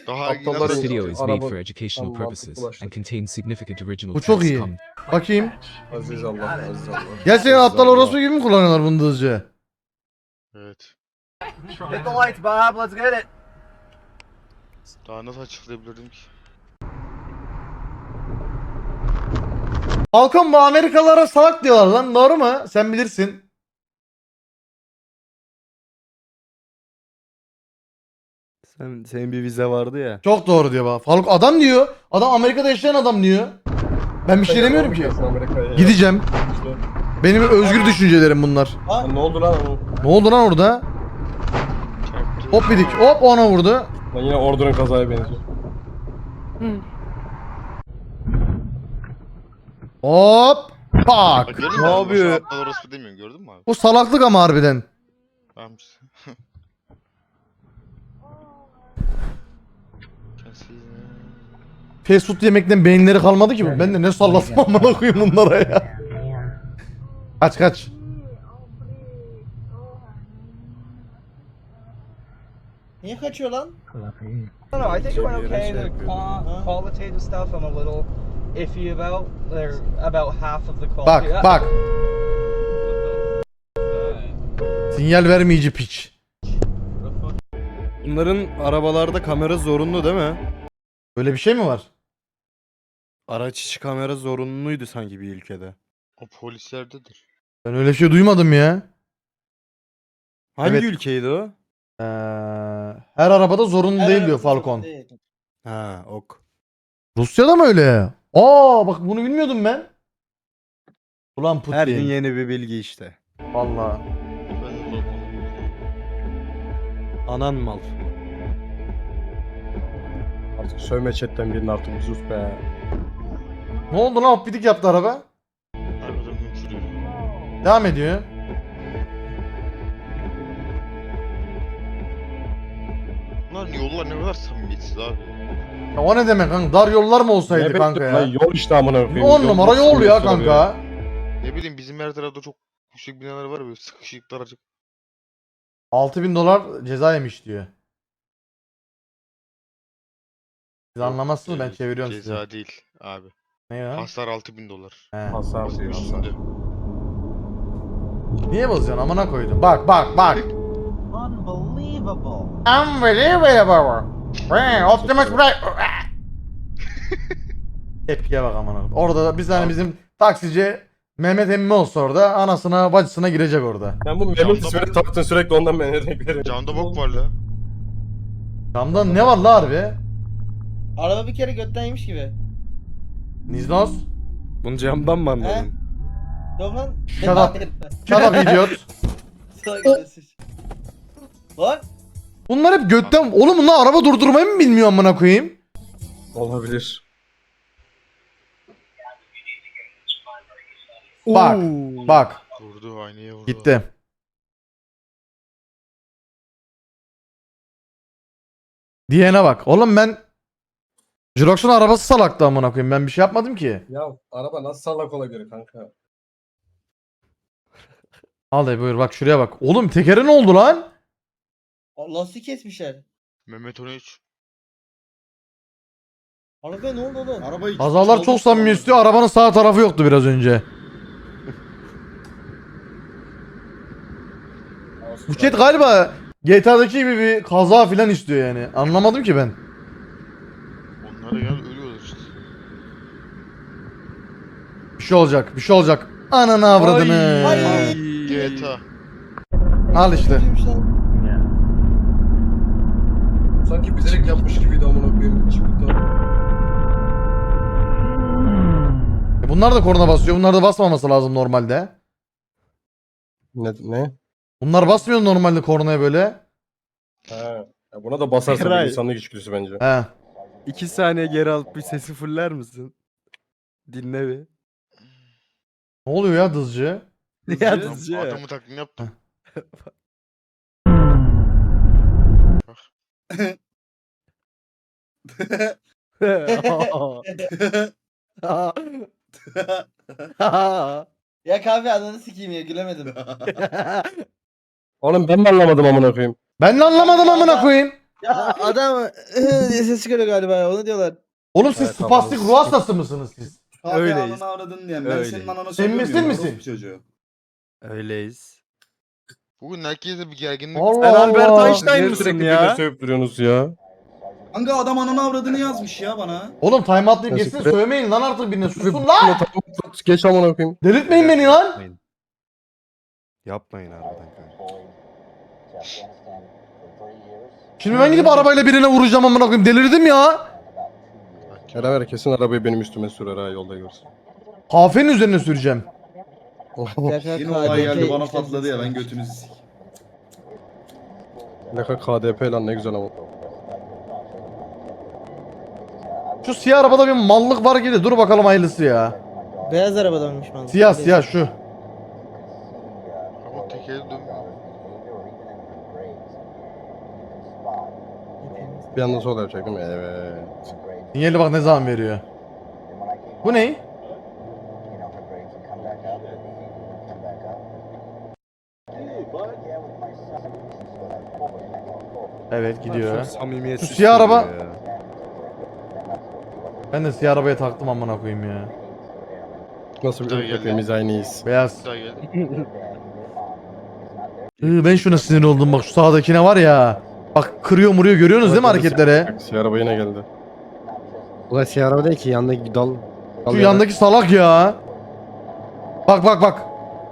Daha iyi Aptallar nasıl için This video is made araba for educational Tamam, purposes ulaştık. and contains significant original Bu çok text iyi. Bakayım. Aziz Allah, Aziz Allah. Gerçekten Aziz aptal Allah. orospu gibi mi kullanıyorlar bunu da hızlıca? Evet. Hit the lights, Bob. Let's get it. Daha nasıl açıklayabilirdim ki? Falcon bu Amerikalılara salak diyorlar lan. Doğru mu? Sen bilirsin. Senin bir vize vardı ya. Çok doğru diyor bak. Falcon adam diyor. Adam Amerika'da yaşayan adam diyor. Ben bir şey demiyorum ki. Amerika'ya. Gideceğim. İşte. Benim özgür düşüncelerim bunlar. Lan ne oldu lan oğlum? Ne oldu lan orada? Çarptı. Hop dedik. Hop ona vurdu. Lan yine ordunun kazaya benziyor. Hop. Bak Pak. gördün mü? Ne abi? yapıyor? Boşuna aptal orospu demiyorum gördün mü abi? Bu salaklık ama harbiden. Tamam işte. Fast food yemekten beyinleri kalmadı ki bu. Ben de ne sallasam amına koyayım bunlara ya. Kaç kaç. Niye kaçıyor lan? No, I think it went okay. The qualitative stuff I'm a little iffy about. They're about half of the quality. Bak bak. Sinyal vermeyici piç. Bunların arabalarda kamera zorunlu değil mi? Böyle bir şey mi var? Araç içi kamera zorunluydu sanki bir ülkede. O polislerdedir. Ben öyle bir şey duymadım ya. Hangi Evet. ülkeydi o? Her arabada zorunlu Her değil diyor arabada Falcon. değil. Ha, ok. Rusya'da mı öyle? Aa bak bunu bilmiyordum ben. Ulan Putin. Her gün yeni bir bilgi işte. Vallahi. Ben de korkmadım. Anan mal. Artık sövme chatten birini artık bir sus be. Ne oldu lan hoppidik yaptı araba. Arkadan hükürüyor. Devam ediyor. Bunların yollar ne kadar samimiyetsiz abi. Ya o ne demek kanka? Dar yollar mı olsaydı Evet, kanka lan ya? yol işte amına koyayım. 10 numara yol ya sürüyor. kanka. Ne bileyim bizim her tarafta çok yüksek binalar var böyle sıkışık daracık. 6000 dolar ceza yemiş diyor. Siz anlamazsınız ben çeviriyorum size. Ceza değil abi. Ne ya? Hasar 6000 dolar. He. Hasar diyor hasar. Üstünde. Niye bozuyorsun amına koydum. Bak bak bak. Unbelievable. Unbelievable. Optimus Prime. Tepkiye bak amına koyayım. Orada da bir tane bizim taksici Mehmet emmi olsa orada anasına bacısına girecek orada. Sen bu Mehmet Camda ismini bak- taktın sürekli ondan ben renk veririm. Camda bok var la. Camda ne var la harbi? Araba bir kere götten yemiş gibi. Niznos. Bunu camdan mı anladın? Yok lan. Shut up. Shut up idiot. Lan. Bunlar hep götten... Oğlum bunlar araba durdurmayı mı bilmiyor amına koyayım? Olabilir. Bak. Bak. Vurdu aynaya vurdu. Gitti. Diyene bak. Oğlum ben... Jirox'un arabası salaktı amına koyayım. Ben bir şey yapmadım ki. Ya araba nasıl salak olabilir kanka? Al dayı buyur bak şuraya bak. Oğlum tekeri ne oldu lan? Lastik kesmişler. Mehmet 13. Araba ne oldu oğlum? Arabayı Kazalar çok samimi istiyor. Arabanın sağ tarafı yoktu biraz önce. Bu chat galiba GTA'daki gibi bir kaza filan istiyor yani. Anlamadım ki ben. Onlar da geldi ölüyorlar işte. Bir şey olacak. Bir şey olacak. Ananı avradını. Ay. GTA. Al işte. Kötüymüş lan. Sanki bilerek yapmış gibiydi amına koyayım. Bunlar da korna basıyor. Bunlar da basmaması lazım normalde. Ne? Bunlar basmıyor normalde kornaya böyle. He. Ya buna da basarsa bir Eray. insanlık içgüdüsü bence. He. 2 saniye geri alıp bir sesi fuller misin? Dinle bir. Ne oluyor ya dızcı? Ya Adam- dızcı. Adamı taklidini yaptım. Ya kahve ananı sikeyim ya gülemedim. Oğlum ben mi anlamadım amına koyayım? Ben de anlamadım amına koyayım. Adam diye ses çıkarıyor galiba. Onu diyorlar. Oğlum siz Evet, spastik tamam. ruh hastası mısınız siz? Abi Öyleyiz. ananı avradın diyen. Ben Öyleyiz. senin ananı Sen misin söylemiyorum. misin? Orospu çocuğu. Öyleyiz. Bugün herkese bir gerginlik. Allah Sen Albert Allah. Einstein Niye mısın sürekli ya? birine sövüp duruyorsunuz ya? Kanka adam ananı avradını yazmış ya bana. Oğlum time atlayıp Nasıl geçsin kre- sövmeyin lan artık birine susun lan. Geç amına koyayım. Delirtmeyin beni lan. Yapmayın. Yapmayın harbiden kanka. Şimdi ben gidip arabayla birine vuracağım amına koyayım. Delirdim ya. Beraber kesin arabayı benim üstüme sürer ha yolda görsün. Kafenin üzerine süreceğim. Yine olay geldi bana patladı ya ben götünüzü sik. Ne kadar KDP lan ne güzel ama. Şu siyah arabada bir mallık var gibi. Dur bakalım hayırlısı ya. Beyaz arabadanmış man. Siyah siyah şu. Ama tekeri dönmüyor. Bir anda sol yapacak değil mi? Evet. Sinyali bak ne zaman veriyor. Bu ne? Evet gidiyor. Samimiyetsiz Şu siyah araba- söylüyor ya. Ben de siyah arabaya taktım amına koyayım ya. Nasıl bir Daha ırk geldi. hepimiz aynıyız. Beyaz. Daha geldi. Ben şuna sinir oldum bak şu sağdakine var ya. Bak kırıyor muruyor görüyorsunuz değil mi hareketleri? Siyah araba yine geldi. Ulan siyah araba değil ki yandaki dal. Şu yandaki salak ya. Bak bak bak.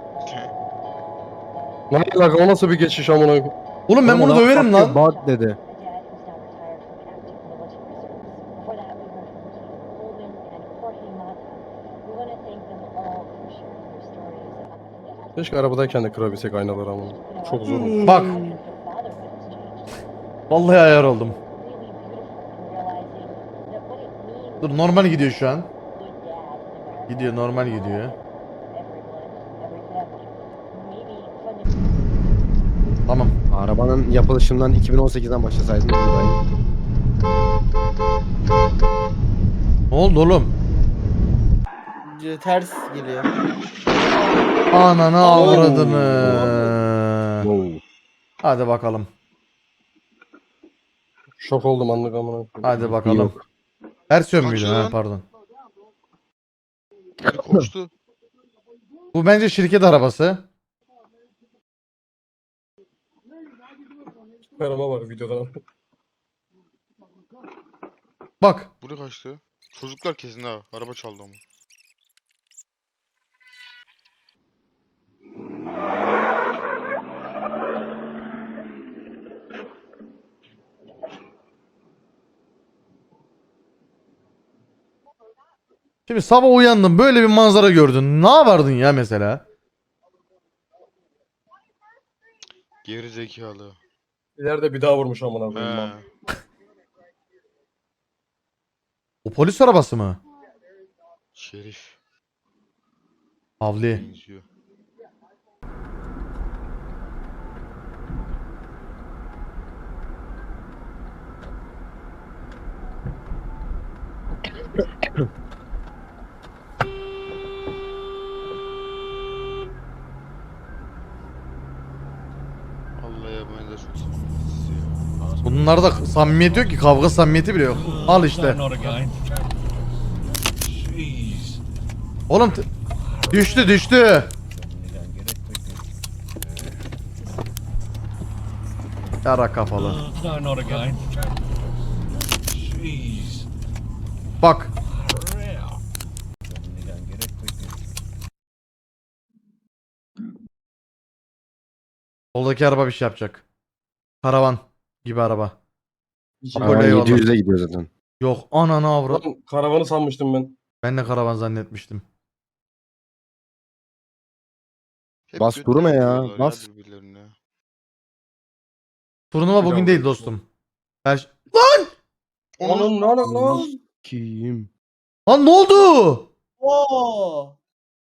Ne alaka o nasıl bir geçiş amına koyayım? Oğlum ben bunu döverim lan. Bad dedi. Keşke arabadayken de kırabilsek aynaları ama. Çok zor olur. Bak. Vallahi ayar oldum. Dur normal gidiyor şu an. Gidiyor normal gidiyor. Tamam. Arabanın yapılışından 2018'den başlasaydın. Ne oldu oğlum? Ters geliyor. Ananı avradını. Hadi bakalım. Şok oldum anlık amına koyayım. Hadi bakalım. Ters yön müydü? Kaçıyor Ha lan. pardon. Koştu. Bu bence şirket arabası. Araba var videodan. Bak. Buraya kaçtı. Çocuklar kesin ha. Araba çaldı ama. Şimdi sabah uyandın böyle bir manzara gördün. Ne yapardın ya mesela? Geri zekalı. İleride bir daha vurmuş amına He. koyayım. O polis arabası mı? Şerif. Havli. Benziyor. Vallahi ya ben de çok samimiyetsiz ya. Bunlarda samimiyet yok ki. Kavga samimiyeti bile yok. Al işte. Oğlum düştü düştü. Yara kafalı. Bak. Soldaki araba bir şey yapacak. Karavan gibi araba. Bak öyle eyvallah. 700'e gidiyor zaten. Yok ananı avrat. Lan karavanı sanmıştım ben. Ben de karavan zannetmiştim. Hep Bas, götüne durma ya, yapıyorlar bas. birbirlerine. Turnuva Bir bugün daha değil vurursun. dostum. Her Onun ne alaka lan? Kim? Lan ne oldu? Oo.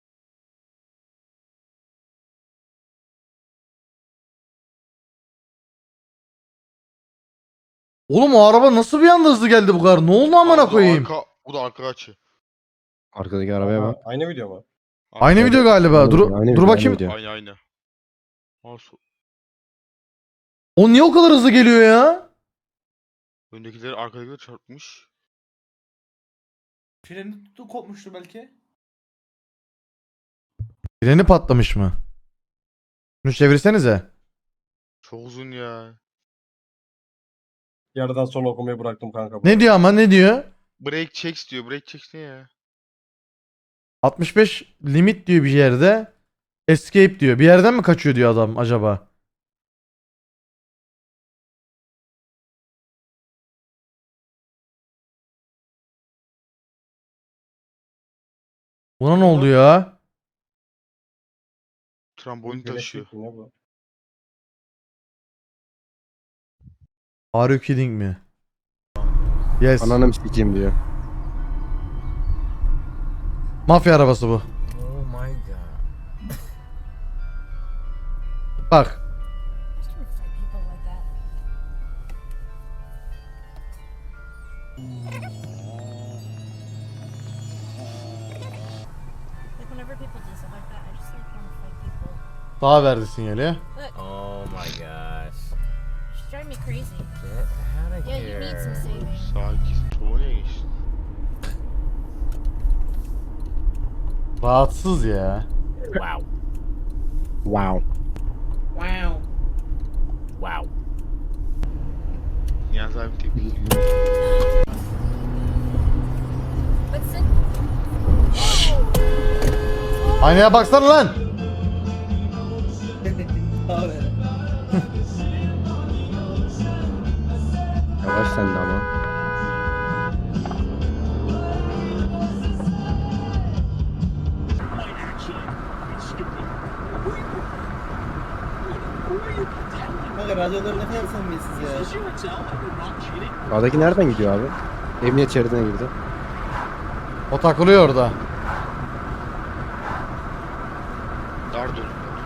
Oğlum o araba nasıl bir anda hızlı geldi bu kadar? Ne oldu amına koyayım? Bu da arka açı. Arkadaki arabaya bak. Aynı video mu? Aynı video galiba. Dur Aynı dur video, bakayım. aynı video. Aynı. Nasıl? O niye o kadar hızlı geliyor ya? Öndekileri arkadakileri çarpmış. Freni tuttu kopmuştu belki. Freni patlamış mı? Şunu çevirsenize. Çok uzun ya. Yarıdan sonra okumayı bıraktım kanka. Ne diyor ama ne diyor? Break checks diyor. Break checks ne ya? 65 limit diyor bir yerde. Escape diyor. Bir yerden mi kaçıyor diyor adam acaba? Buna ne oldu ya? Trambolin taşıyor. Ne bu? Are you kidding me? Yes. Ananı sikeyim diyor. Mafya arabası bu. Oh my god. Bak. Daha verdi sinyali. Oh my gosh. She's driving me crazy. Get out of Yeah, you need some here. saving. Sakin. Tuğla geçti. Rahatsız ya. Wow. Wow. Wow. Wow. Niyazi abi tepki. What's it? Aynaya baksana lan. Abi. Yavaş sen de ama. Kanka radyoları ne kadar samimiyetsiz ya. Sağdaki nereden gidiyor abi? Emniyet şeridine girdi. O takılıyor orada. Dar dönüm.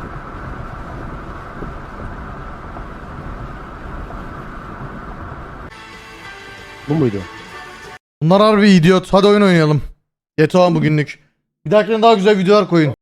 Bu muydu? Bunlar harbi idiot. Hadi oyun oynayalım. GTA bugünlük. Bir dahakine daha güzel videolar koyun.